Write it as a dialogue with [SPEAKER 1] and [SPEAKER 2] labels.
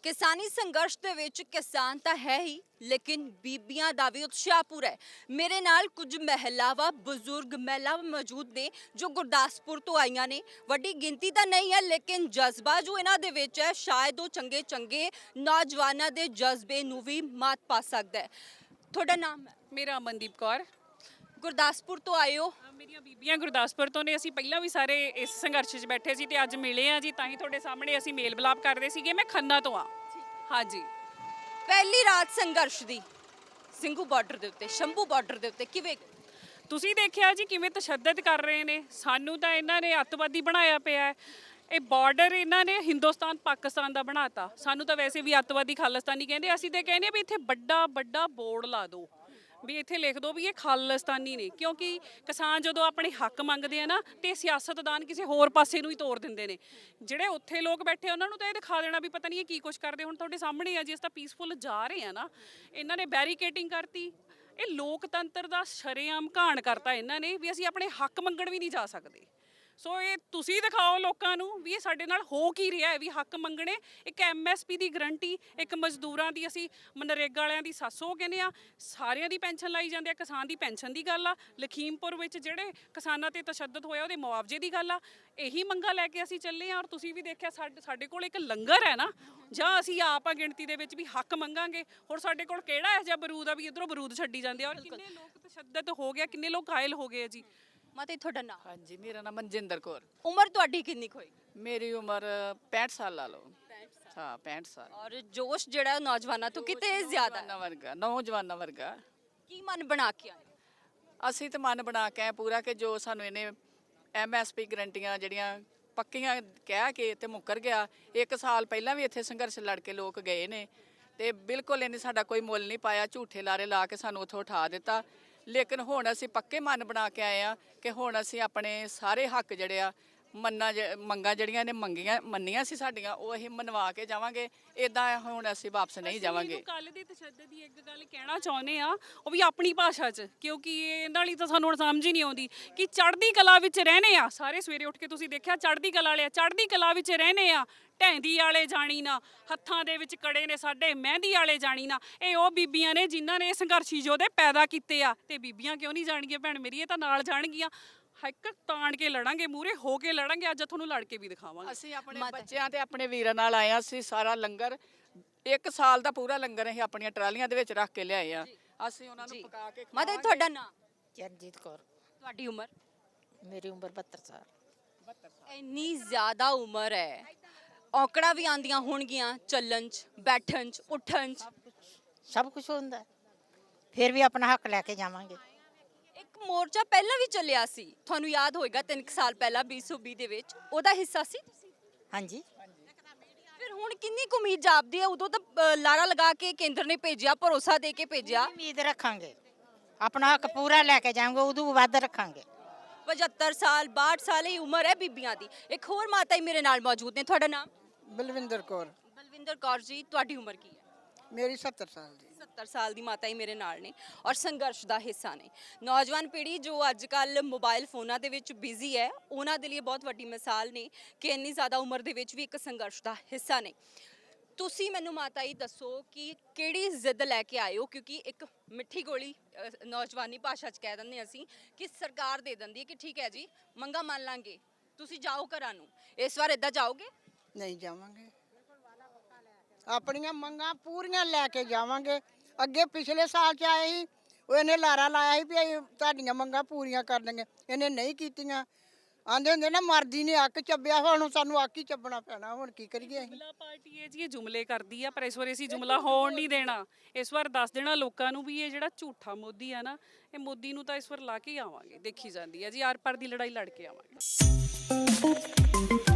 [SPEAKER 1] ਕਿਸਾਨੀ ਸੰਘਰਸ਼ ਦੇ ਵਿੱਚ ਕਿਸਾਨ ਤਾਂ ਹੈ ਹੀ ਲੇਕਿਨ ਬੀਬੀਆਂ ਦਾ ਵੀ ਉਤਸ਼ਾਹ ਪੂਰਾ ਹੈ। ਮੇਰੇ ਨਾਲ ਕੁਝ ਮਹਿਲਾਵਾਂ ਬਜ਼ੁਰਗ ਮਹਿਲਾਵਾਂ ਮੌਜੂਦ ਨੇ ਜੋ ਗੁਰਦਾਸਪੁਰ ਤੋਂ ਆਈਆਂ ਨੇ। ਵੱਡੀ ਗਿਣਤੀ ਤਾਂ ਨਹੀਂ ਹੈ ਲੇਕਿਨ ਜਜ਼ਬਾ ਜੋ ਇਹਨਾਂ ਦੇ ਵਿੱਚ ਹੈ ਸ਼ਾਇਦ ਉਹ ਚੰਗੇ ਚੰਗੇ ਨੌਜਵਾਨਾਂ ਦੇ ਜਜ਼ਬੇ ਨੂੰ ਵੀ ਮਾਤ ਪਾ ਸਕਦਾ ਹੈ। ਤੁਹਾਡਾ ਨਾਮ ਹੈ?
[SPEAKER 2] ਮੇਰਾ ਅਮਨਦੀਪ ਕੌਰ।
[SPEAKER 1] ਗੁਰਦਾਸਪੁਰ ਤੋਂ ਆਏ ਹੋ?
[SPEAKER 2] ਮੇਰੀਆਂ ਬੀਬੀਆਂ ਗੁਰਦਾਸਪੁਰ ਤੋਂ ਨੇ। ਅਸੀਂ ਪਹਿਲਾਂ ਵੀ ਸਾਰੇ ਇਸ ਸੰਘਰਸ਼ 'ਚ ਬੈਠੇ ਸੀ ਤੇ ਅੱਜ ਮਿਲੇ ਆ ਜੀ, ਤਾਂ ਹੀ ਤੁਹਾਡੇ ਸਾਹਮਣੇ ਅਸੀਂ ਮੇਲ ਮਿਲਾਪ ਕਰਦੇ ਸੀਗੇ। ਮੈਂ ਖੰਨਾ ਤੋਂ ਆ। ਹਾਂਜੀ,
[SPEAKER 1] ਪਹਿਲੀ ਰਾਤ ਸੰਘਰਸ਼ ਦੀ ਸਿੰਘੂ ਬਾਰਡਰ ਦੇ ਉੱਤੇ, ਸ਼ੰਭੂ ਬਾਰਡਰ ਦੇ ਉੱਤੇ ਕਿਵੇਂ
[SPEAKER 2] ਤੁਸੀਂ ਦੇਖਿਆ ਜੀ ਕਿਵੇਂ ਤਸ਼ੱਦਦ ਕਰ ਰਹੇ ਨੇ। ਸਾਨੂੰ ਤਾਂ ਇਹਨਾਂ ਨੇ ਅੱਤਵਾਦੀ ਬਣਾਇਆ ਪਿਆ ਹੈ। ਇਹ ਬਾਰਡਰ ਇਹਨਾਂ ਨੇ ਹਿੰਦੁਸਤਾਨ ਪਾਕਿਸਤਾਨ ਦਾ ਬਣਾਤਾ। ਸਾਨੂੰ ਤਾਂ ਵੈਸੇ ਵੀ ਅੱਤਵਾਦੀ ਖਾਲਿਸਤਾਨੀ ਕਹਿੰਦੇ। ਅਸੀਂ ਤਾਂ ਕਹਿੰਦੇ ਵੀ ਇੱਥੇ ਵੱਡਾ ਵੱਡਾ ਬੋਰਡ ਲਾ ਦਿਓ, ਵੀ ਇੱਥੇ ਲਿਖ ਦਿਓ ਵੀ ਇਹ ਖਾਲਿਸਤਾਨੀ ਨੇ, ਕਿਉਂਕਿ ਕਿਸਾਨ ਜਦੋਂ ਆਪਣੇ ਹੱਕ ਮੰਗਦੇ ਆ ਨਾ ਤੇ ਸਿਆਸਤਦਾਨ ਕਿਸੇ ਹੋਰ ਪਾਸੇ ਨੂੰ ਹੀ ਤੋੜ ਦਿੰਦੇ ਨੇ। ਜਿਹੜੇ ਉੱਥੇ ਲੋਕ ਬੈਠੇ ਉਹਨਾਂ ਨੂੰ ਤਾਂ ਇਹ ਦਿਖਾ ਦੇਣਾ ਵੀ ਪਤਾ ਨਹੀਂ ਇਹ ਕੀ ਕੁਛ ਕਰਦੇ। ਹੁਣ ਤੁਹਾਡੇ ਸਾਹਮਣੇ ਆ ਜੀ, ਇਸ ਤਾਂ ਪੀਸਫੁਲ ਜਾ ਰਹੇ ਆ ਨਾ, ਇਹਨਾਂ ਨੇ ਬੈਰੀਕੇਟਿੰਗ ਕਰਤੀ। ਇਹ ਲੋਕਤੰਤਰ ਦਾ ਸ਼ਰੇਆਮ ਘਾਣ ਕਰਤਾ ਇਹਨਾਂ ਨੇ ਵੀ ਅਸੀਂ ਆਪਣੇ ਹੱਕ ਮੰਗਣ ਵੀ ਨਹੀਂ ਜਾ ਸਕਦੇ। ਸੋ ਇਹ ਤੁਸੀਂ ਦਿਖਾਓ ਲੋਕਾਂ ਨੂੰ ਵੀ ਇਹ ਸਾਡੇ ਨਾਲ ਹੋ ਕੀ ਰਿਹਾ ਹੈ, ਵੀ ਹੱਕ ਮੰਗਣੇ। ਇੱਕ MSP ਦੀ ਗਰੰਟੀ, ਇੱਕ ਮਜ਼ਦੂਰਾਂ ਦੀ, ਅਸੀਂ ਮਨਰੇਗਾ ਵਾਲਿਆਂ ਦੀ 700 ਕਹਿੰਦੇ ਆ, ਸਾਰਿਆਂ ਦੀ ਪੈਨਸ਼ਨ ਲਾਈ ਜਾਂਦੇ ਆ। ਕਿਸਾਨ ਦੀ ਪੈਨਸ਼ਨ ਦੀ ਗੱਲ ਆ, ਲਖੀਮਪੁਰ ਵਿੱਚ ਜਿਹੜੇ ਕਿਸਾਨਾਂ ਤੇ ਤਸ਼ੱਦਦ ਹੋਇਆ ਉਹਦੇ ਮੁਆਵਜ਼ੇ ਦੀ ਗੱਲ ਆ। ਇਹੀ ਮੰਗਾਂ ਲੈ ਕੇ ਅਸੀਂ ਚੱਲੇ ਆ। ਔਰ ਤੁਸੀਂ ਵੀ ਦੇਖਿਆ ਸਾਡੇ ਕੋਲ ਇੱਕ ਲੰਗਰ ਹੈ ਨਾ, ਜਾਂ ਅਸੀਂ ਆਪ ਆ ਗਿਣਤੀ ਦੇ ਵਿੱਚ ਵੀ ਹੱਕ ਮੰਗਾਂਗੇ। ਹੋਰ ਸਾਡੇ ਕੋਲ ਕਿਹੜਾ ਇਹੋ ਜਿਹਾ ਬਰੂਦ ਆ ਵੀ ਇੱਧਰੋਂ ਬਰੂਦ ਛੱਡੀ ਜਾਂਦੇ ਆ। ਔਰ ਕਿੰਨੇ ਲੋਕ ਤਸ਼ੱਦਦ ਹੋ ਗਿਆ, ਕਿੰਨੇ ਲੋਕ ਘਾਇਲ ਹੋ ਗਏ ਆ ਜੀ।
[SPEAKER 1] ਮਾਤਾ ਜੀ ਤੁਹਾਡਾ ਨਾਮ?
[SPEAKER 3] ਹਾਂਜੀ, ਮੇਰਾ ਨਾਮ ਮਨਜਿੰਦਰ ਕੌਰ।
[SPEAKER 1] ਉਮਰ ਤੁਹਾਡੀ ਕਿੰਨੀ ਕੁ ਹੋਈ?
[SPEAKER 3] ਮੇਰੀ ਉਮਰ 65 ਸਾਲ ਲਾ ਲਓ। ਹਾਂ, 65 ਸਾਲ।
[SPEAKER 1] ਔਰ ਜੋਸ਼ ਜਿਹੜਾ ਨੌਜਵਾਨਾਂ ਤੋਂ ਕਿਤੇ ਜ਼ਿਆਦਾ ਹੈ।
[SPEAKER 3] ਨੌਜਵਾਨਾਂ ਵਰਗਾ।
[SPEAKER 1] ਕੀ ਮਨ ਬਣਾ ਕੇ ਆਏ?
[SPEAKER 3] ਅਸੀਂ ਤਾਂ ਮਨ ਬਣਾ ਕੇ ਆਏ ਪੂਰਾ ਕਿ ਜੋ ਸਾਨੂੰ ਇਹਨੇ MSP ਗਰੰਟੀਆਂ ਜਿਹੜੀਆਂ ਪੱਕੀਆਂ ਕਹਿ ਕੇ ਤੇ ਮੁੱਕਰ ਗਿਆ। 1 ਸਾਲ ਪਹਿਲਾਂ ਵੀ ਇੱਥੇ ਸੰਘਰਸ਼ ਲੜ ਕੇ ਲੋਕ ਗਏ ਨੇ ਤੇ ਬਿਲਕੁਲ ਇਹਨੇ ਸਾਡਾ ਕੋਈ ਮੁੱਲ ਨਹੀਂ ਪਾਇਆ। ਝੂਠੇ ਲਾਰੇ ਲਾ ਕੇ ਸਾਨੂੰ ਉੱਥੋਂ ਉਠਾ ਦਿੱਤਾ। ਲੇਕਿਨ ਹੁਣ ਅਸੀਂ ਪੱਕੇ ਮਨ ਬਣਾ ਕੇ ਆਏ ਆ ਕਿ ਹੁਣ ਅਸੀਂ ਆਪਣੇ ਸਾਰੇ ਹੱਕ ਜਿਹੜੇ ਆ ਮੰਗਾਂ ਜਿਹੜੀਆਂ ਨੇ ਮੰਨੀਆਂ ਸੀ ਸਾਡੀਆਂ, ਉਹ ਅਸੀਂ ਮਨਵਾ ਕੇ ਜਾਵਾਂਗੇ। ਇਦਾਂ ਹੁਣ ਅਸੀਂ ਵਾਪਸ ਨਹੀਂ ਜਾਵਾਂਗੇ।
[SPEAKER 2] ਕੱਲ ਦੀ ਤਸ਼ੱਦਦ ਦੀ ਇੱਕ ਗੱਲ ਕਹਿਣਾ ਚਾਹੁੰਦੇ ਆ, ਉਹ ਵੀ ਆਪਣੀ ਭਾਸ਼ਾ 'ਚ, ਕਿਉਂਕਿ ਇਹਨਾਂ ਲਈ ਤਾਂ ਸਾਨੂੰ ਹੁਣ ਸਮਝ ਹੀ ਨਹੀਂ ਆਉਂਦੀ ਕਿ ਚੜ੍ਹਦੀ ਕਲਾ ਵਿੱਚ ਰਹਿਣੇ ਆ। ਸਾਰੇ ਸਵੇਰੇ ਉੱਠ ਕੇ ਤੁਸੀਂ ਦੇਖਿਆ ਚੜ੍ਹਦੀ ਕਲਾ ਵਾਲੇ, ਚੜ੍ਹਦੀ ਕਲਾ ਵਿੱਚ ਰਹਿਣੇ ਆ। ਢੈਂਦੀ ਵਾਲੇ ਜਾਣੀ ਨਾ, ਹੱਥਾਂ ਦੇ ਵਿੱਚ ਕੜੇ ਨੇ ਸਾਡੇ, ਮਹਿੰਦੀ ਵਾਲੇ ਜਾਣੀ ਨਾ। ਇਹ ਉਹ ਬੀਬੀਆਂ ਨੇ ਜਿਨ੍ਹਾਂ ਨੇ ਸੰਘਰਸ਼ੀ ਯੋਧੇ ਪੈਦਾ ਕੀਤੇ ਆ। ਤੇ ਬੀਬੀਆਂ ਕਿਉਂ ਨਹੀਂ ਜਾਣਗੀਆਂ ਭੈਣ ਮੇਰੀ? ਇਹ ਤਾਂ ਨਾਲ ਜਾਣਗੀਆਂ। ਹੱਕ ਤਾਣ ਕੇ ਲੜਾਂਗੇ, ਮੂਹਰੇ ਹੋ ਕੇ ਲੜਾਂਗੇ। ਅੱਜ ਤੁਹਾਨੂੰ ਲੜ ਕੇ ਵੀ ਦਿਖਾਵਾਂਗੇ।
[SPEAKER 3] ਅਸੀਂ ਆਪਣੇ ਬੱਚਿਆਂ ਤੇ ਆਪਣੇ ਵੀਰਾਂ ਨਾਲ ਆਏ ਆ। ਅਸੀਂ ਸਾਰਾ ਲੰਗਰ 1 ਸਾਲ ਦਾ ਪੂਰਾ ਲੰਗਰ ਅਸੀਂ ਆਪਣੀਆਂ ਟਰਾਲੀਆਂ ਦੇ ਵਿੱਚ ਰੱਖ ਕੇ ਲਿਆਏ ਆ। ਅਸੀਂ ਉਹਨਾਂ ਨੂੰ ਪਕਾ ਕੇ
[SPEAKER 1] ਮਾਤਾ ਜੀ ਤੁਹਾਡਾ ਨਾਮ?
[SPEAKER 4] ਚਰਨਜੀਤ ਕੌਰ।
[SPEAKER 1] ਤੁਹਾਡੀ ਉਮਰ?
[SPEAKER 4] ਮੇਰੀ ਉਮਰ 72 ਸਾਲ।
[SPEAKER 1] ਇੰਨੀ ਜ਼ਿਆਦਾ ਉਮਰ ਹੈ, ਔਕੜਾਂ ਵੀ ਆਉਂਦੀਆਂ ਹੋਣਗੀਆਂ ਚੱਲਣ 'ਚ, ਬੈਠਣ 'ਚ, ਉੱਠਣ 'ਚ।
[SPEAKER 4] ਸਭ ਕੁਝ ਹੁੰਦਾ, ਫਿਰ ਵੀ ਆਪਣਾ ਹੱਕ ਲੈ ਕੇ ਜਾਵਾਂਗੇ।
[SPEAKER 1] ਇੱਕ ਮੋਰਚਾ ਪਹਿਲਾਂ ਵੀ ਚੱਲਿਆ ਸੀ, ਤੁਹਾਨੂੰ ਯਾਦ ਹੋਏਗਾ 3 ਸਾਲ ਪਹਿਲਾਂ 2020 ਦੇ ਵਿੱਚ, ਉਹਦਾ ਹਿੱਸਾ ਸੀ ਤੁਸੀਂ?
[SPEAKER 4] ਹਾਂਜੀ।
[SPEAKER 1] ਫਿਰ ਹੁਣ ਕਿੰਨੀ ਕੁ ਉਮੀਦ ਜਾਪਦੀ ਹੈ? ਉਦੋਂ ਤਾਂ ਲਾਰਾ ਲਗਾ ਕੇ ਕੇਂਦਰ ਨੇ ਭੇਜਿਆ, ਭਰੋਸਾ ਦੇ ਕੇ ਭੇਜਿਆ।
[SPEAKER 4] ਉਮੀਦ ਰੱਖਾਂਗੇ, ਆਪਣਾ ਹੱਕ ਪੂਰਾ ਲੈ ਕੇ ਜਾਵਾਂਗੇ, ਉਦੋਂ ਵੱਧ ਰੱਖਾਂਗੇ।
[SPEAKER 1] 75 ਸਾਲ 62 ਸਾਲ ਹੀ ਉਮਰ ਹੈ ਬੀਬੀਆਂ ਦੀ। ਇੱਕ ਹੋਰ ਮਾਤਾ ਹੀ ਮੇਰੇ ਨਾਲ ਮੌਜੂਦ ਨੇ। ਤੁਹਾਡਾ ਨਾਮ?
[SPEAKER 5] ਬਲਵਿੰਦਰ ਕੌਰ।
[SPEAKER 1] ਬਲਵਿੰਦਰ ਕੌਰ ਜੀ, ਤੁਹਾਡੀ ਉਮਰ ਕੀ ਹੈ?
[SPEAKER 5] ਮੇਰੀ 70 ਸਾਲ ਦੀ।
[SPEAKER 1] 70 ਸਾਲ ਦੀ ਮਾਤਾ ਹੀ ਮੇਰੇ ਨਾਲ ਨੇ ਔਰ ਸੰਘਰਸ਼ ਦਾ ਹਿੱਸਾ ਨੇ। ਨੌਜਵਾਨ ਪੀੜ੍ਹੀ ਜੋ ਅੱਜ ਕੱਲ੍ਹ ਮੋਬਾਈਲ ਫੋਨਾਂ ਦੇ ਵਿੱਚ ਬਿਜ਼ੀ ਹੈ, ਉਹਨਾਂ ਦੇ ਲਈ ਬਹੁਤ ਵੱਡੀ ਮਿਸਾਲ ਨੇ ਕਿ ਇੰਨੀ ਜ਼ਿਆਦਾ ਉਮਰ ਦੇ ਵਿੱਚ ਵੀ ਇੱਕ ਸੰਘਰਸ਼ ਦਾ ਹਿੱਸਾ ਨੇ। ਤੁਸੀਂ ਮੈਨੂੰ ਮਾਤਾ ਹੀ ਦੱਸੋ ਕਿ ਕਿਹੜੀ ਜ਼ਿੱਦ ਲੈ ਕੇ ਆਏ ਹੋ? ਕਿਉਂਕਿ ਇੱਕ ਮਿੱਠੀ ਗੋਲੀ ਨੌਜਵਾਨੀ ਭਾਸ਼ਾ 'ਚ ਕਹਿ ਦਿੰਦੇ ਅਸੀਂ ਕਿ ਸਰਕਾਰ ਦੇ ਦਿੰਦੀ ਹੈ ਕਿ ਠੀਕ ਹੈ ਜੀ ਮੰਗਾਂ ਮੰਨ ਲਾਂਗੇ, ਤੁਸੀਂ ਜਾਓ ਘਰਾਂ ਨੂੰ। ਇਸ ਵਾਰ ਇੱਦਾਂ ਜਾਓਗੇ?
[SPEAKER 5] ਨਹੀਂ ਜਾਵਾਂਗੇ, ਆਪਣੀਆਂ ਮੰਗਾਂ ਪੂਰੀਆਂ ਲੈ ਕੇ ਜਾਵਾਂਗੇ। ਅੱਗੇ ਪਿਛਲੇ ਸਾਲ 'ਚ ਆਏ ਸੀ, ਉਹ ਇਹਨੇ ਲਾਰਾ ਲਾਇਆ ਸੀ ਵੀ ਅਸੀਂ ਤੁਹਾਡੀਆਂ ਮੰਗਾਂ ਪੂਰੀਆਂ ਕਰ ਦਾਂਗੇ। ਇਹਨੇ ਨਹੀਂ ਕੀਤੀਆਂ। ਆਂਦੇ ਹੁੰਦੇ ਨਾ ਮਰਦੀ ਨੇ ਅੱਕ ਚੱਬਿਆ, ਹੁਣ ਸਾਨੂੰ ਅੱਕ ਹੀ ਚੱਬਣਾ ਪੈਣਾ। ਹੁਣ ਕੀ ਕਰੀਏ? ਅਸੀਂ
[SPEAKER 2] ਜੁਮਲਾ ਪਾਰਟੀ ਹੈ ਜੀ, ਇਹ ਜੁਮਲੇ ਕਰਦੀ ਆ, ਪਰ ਇਸ ਵਾਰ ਅਸੀਂ ਜੁਮਲਾ ਹੋਣ ਨਹੀਂ ਦੇਣਾ। ਇਸ ਵਾਰ ਦੱਸ ਦੇਣਾ ਲੋਕਾਂ ਨੂੰ ਵੀ ਇਹ ਜਿਹੜਾ ਝੂਠਾ ਮੋਦੀ ਆ ਨਾ, ਇਹ ਮੋਦੀ ਨੂੰ ਤਾਂ ਇਸ ਵਾਰ ਲਾ ਕੇ ਹੀ ਆਵਾਂਗੇ। ਦੇਖੀ ਜਾਂਦੀ ਹੈ ਜੀ, ਆਰ ਪਾਰ ਦੀ ਲੜਾਈ ਲੜ ਕੇ ਆਵਾਂਗੇ।